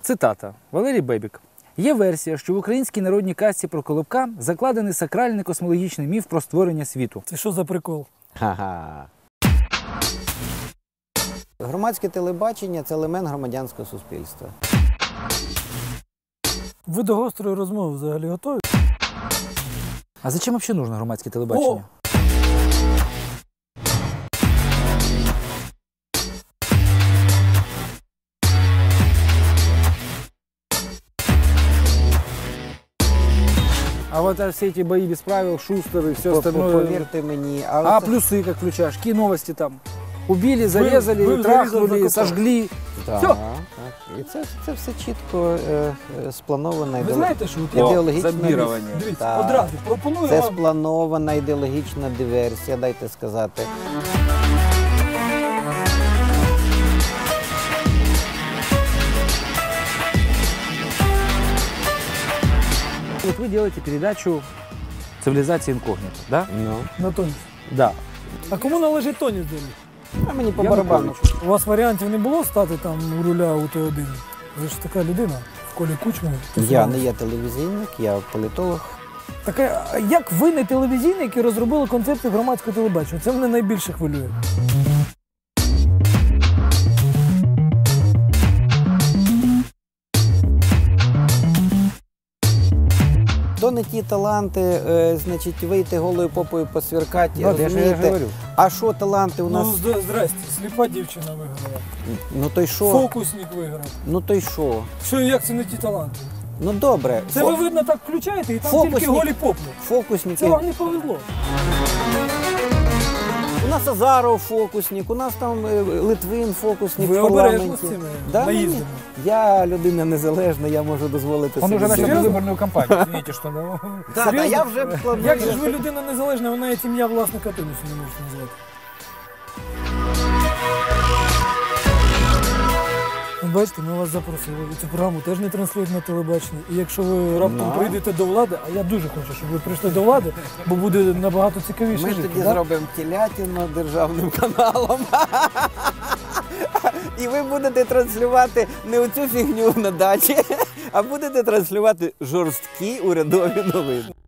Цитата. Валерій Бебік. Є версія, що в українській народній казці про Колобка закладений сакральний космологічний міф про створення світу. Це що за прикол? Ха-ха. Громадське телебачення – це елемент громадянського суспільства. Ви до гострої розмови взагалі готові? А зачем взагалі нужно громадське телебачення? О! А вот все эти бои без правил, Шустер и все остальное. Повірте мені. А плюсы как включаешь? Какие новости там? Убили, зарезали, трахнули, сожгли. Так, Все. так. І це все чітко спланована Ви знаєте, що ідеологічна зомбірування. Дивіться, Так. одразу пропоную Це вам. спланована ідеологічна диверсія, дайте сказати. Вот вы делаете передачу «Цивилизация инкогнито», да? Ну. На Тоніс. Да. А кому належить Тоніс далі? А мені по Януковичу. барабану. У вас варіантів не було стати там у руля у Т1? Ви ж така людина в колі Кучми. Я не є телевізійник, я політолог. Так а як ви не телевізійний, які розробили концепцію громадського телебачення? Це мене найбільше хвилює. То не ті таланти, значить, вийти голою попою посвіркати, Да, я ж розумієте? говорю. А що таланти у нас? Ну, здрасте, сліпа дівчина виграла. Ну то й що? Фокусник виграв. Ну то й що? Що, як це не ті таланти? Ну добре. Це ви, видно, так включаєте і там Фокусник. тільки голі попли. Фокусники. Це вам не повезло. У нас Азаров фокусник, у нас там Литвин фокусник Ви в обережно парламенті. з цими Да, наїздами. Я людина незалежна, я можу дозволити Он собі. уже начал Серьезно? выборную кампанию. Извините, что... ну, Так, Серйозно? я вже планую. Як же ж ви людина незалежна, ви навіть ім'я власника тенісу не можете назвати? Ну, бачите, ми вас запросили. Цю програму теж не транслюють на телебаченні. І якщо ви раптом Да. прийдете до влади, а я дуже хочу, щоб ви прийшли до влади, бо буде набагато цікавіше Ми жити. тоді да? зробимо телятину державним каналом. І ви будете транслювати не оцю фігню на дачі, а будете транслювати жорсткі урядові новини.